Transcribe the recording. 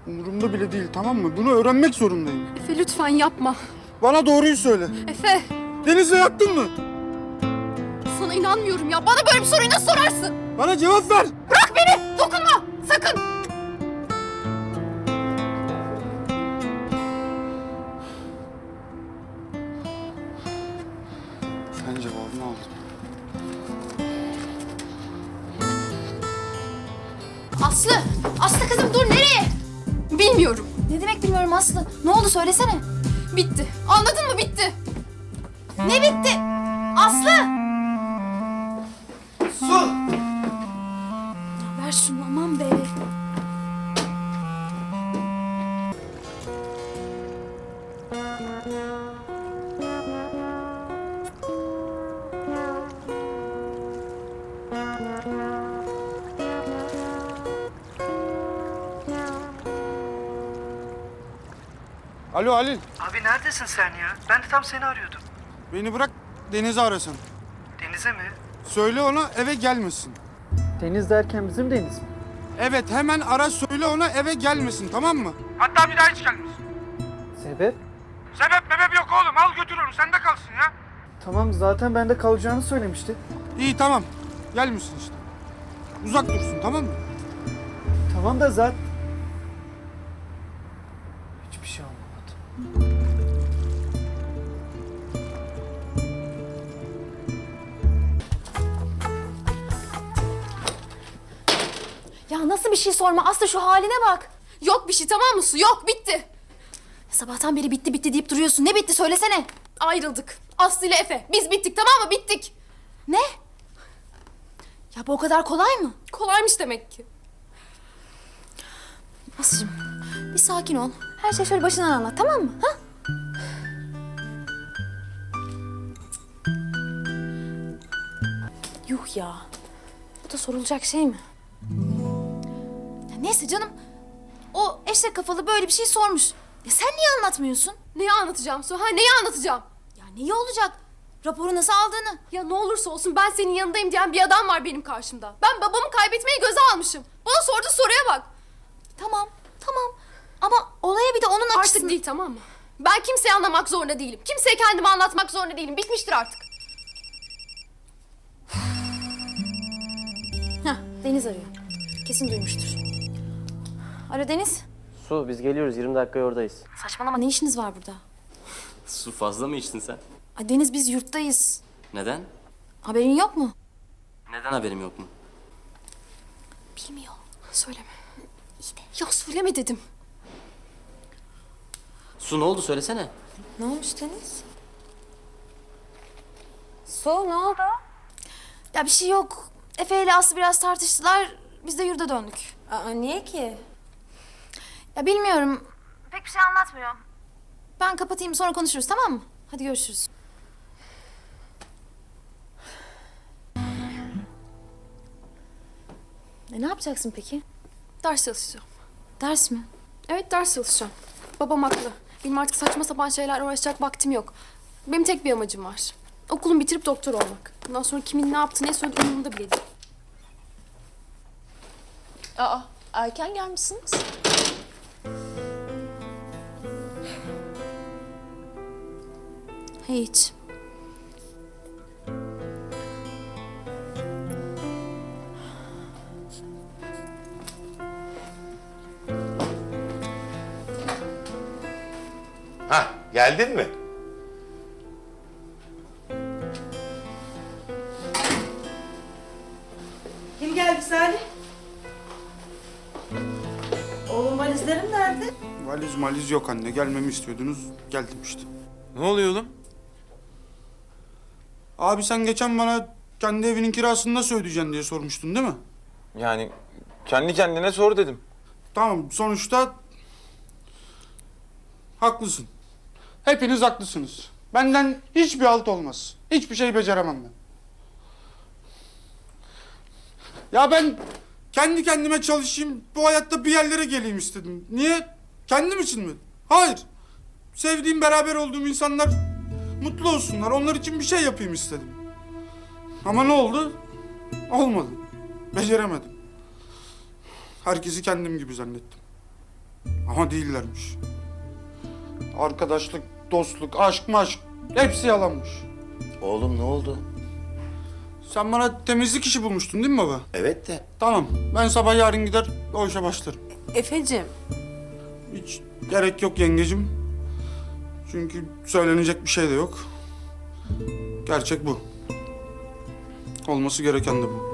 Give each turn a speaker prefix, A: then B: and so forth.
A: Umurumda bile değil, tamam mı? Bunu öğrenmek zorundayım.
B: Efe lütfen yapma.
A: Bana doğruyu söyle.
B: Efe,
A: Deniz'le yattın mı?
B: sana inanmıyorum ya. Bana böyle bir soruyu nasıl sorarsın?
A: Bana cevap ver.
B: Bırak beni! Dokunma! Sakın!
A: Ben cevabını aldım.
C: Aslı! Aslı kızım dur nereye?
B: Bilmiyorum.
C: Ne demek bilmiyorum Aslı. Ne oldu söylesene.
B: Bitti. Anladın mı? Bitti.
C: Ne bitti? Aslı!
A: Su!
C: Ver şunu aman be.
A: Alo Halil.
D: Abi neredesin sen ya? Ben de tam seni arıyordum.
A: Beni bırak, Deniz'i arasın.
D: Denize mi?
A: Söyle ona eve gelmesin.
D: Deniz derken bizim deniz mi?
A: Evet, hemen ara söyle ona eve gelmesin, tamam mı? Hatta bir daha hiç gelmesin.
D: Sebep?
A: Sebep mebep yok oğlum, al götür onu, sende kalsın ya.
D: Tamam zaten bende kalacağını söylemişti.
A: İyi tamam, gelmesin işte. Uzak dursun, tamam mı?
D: Tamam da zaten... Hiçbir şey olmadı.
C: Ya nasıl bir şey sorma Aslı şu haline bak.
B: Yok bir şey, tamam mı Su? Yok, bitti.
C: Sabahtan beri bitti bitti deyip duruyorsun. Ne bitti söylesene.
B: Ayrıldık. Aslı ile Efe. Biz bittik, tamam mı? Bittik.
C: Ne? Ya bu o kadar kolay mı?
B: Kolaymış demek ki.
C: Aslı'cığım bir sakin ol. Her şey şöyle başından anlat tamam mı? Ha? Yuh ya. Bu da sorulacak şey mi? Ya neyse canım. O eşek kafalı böyle bir şey sormuş. Ya sen niye anlatmıyorsun?
B: Neyi anlatacağım Su? Ha, neyi anlatacağım?
C: Ya neyi olacak? Raporu nasıl aldığını.
B: Ya ne olursa olsun ben senin yanındayım diyen bir adam var benim karşımda. Ben babamı kaybetmeyi göze almışım. Bana sorduğu soruya bak.
C: Tamam, tamam. Ama olaya bir de onun
B: Artık
C: açısını...
B: değil, tamam mı? Ben kimseyi anlamak zorunda değilim. Kimseye kendimi anlatmak zorunda değilim. Bitmiştir artık.
C: Heh, Deniz arıyor. Kesin duymuştur. Alo Deniz.
E: Su, biz geliyoruz. 20 dakikaya oradayız.
C: Saçmalama ne işiniz var burada?
E: Su fazla mı içtin sen?
C: Ay Deniz biz yurttayız.
E: Neden?
C: Haberin yok mu?
E: Neden haberim yok mu?
C: Bilmiyor.
B: Söyleme. Ya söyleme dedim.
E: Su ne oldu söylesene.
C: Ne olmuş Deniz? Su ne oldu? Ya bir şey yok. Efe ile Aslı biraz tartıştılar. Biz de yurda döndük.
F: Aa, niye ki?
C: Ya bilmiyorum. Pek bir şey anlatmıyor. Ben kapatayım sonra konuşuruz tamam mı? Hadi görüşürüz. Ne yapacaksın peki?
B: Ders çalışacağım.
C: Ders mi?
B: Evet, ders çalışacağım. Babam haklı. Benim artık saçma sapan şeylerle uğraşacak vaktim yok. Benim tek bir amacım var. Okulumu bitirip doktor olmak. Bundan sonra kimin ne yaptı, ne söyledi umurumda bile değil.
F: Aa, erken gelmişsiniz.
C: Hiç.
G: Hah, geldin mi?
F: Kim geldi Salih? Oğlum valizlerim nerede?
A: Valiz maliz yok anne, gelmemi istiyordunuz, geldim işte.
H: Ne oluyor oğlum?
A: Abi sen geçen bana kendi evinin kirasını nasıl ödeyeceksin diye sormuştun değil mi?
H: Yani kendi kendine sor dedim.
A: Tamam, sonuçta haklısın. Hepiniz haklısınız. Benden hiçbir halt olmaz. Hiçbir şey beceremem ben. Ya ben kendi kendime çalışayım, bu hayatta bir yerlere geleyim istedim. Niye? Kendim için mi? Hayır. Sevdiğim, beraber olduğum insanlar mutlu olsunlar. Onlar için bir şey yapayım istedim. Ama ne oldu? Olmadı. Beceremedim. Herkesi kendim gibi zannettim. Ama değillermiş. Arkadaşlık, dostluk, aşk maşk hepsi yalanmış.
G: Oğlum ne oldu?
A: Sen bana temizlik işi bulmuştun değil mi baba?
G: Evet de.
A: Tamam, ben sabah yarın gider o işe başlarım.
F: Efe'cim,
A: Hiç gerek yok yengecim. Çünkü söylenecek bir şey de yok. Gerçek bu. Olması gereken de bu.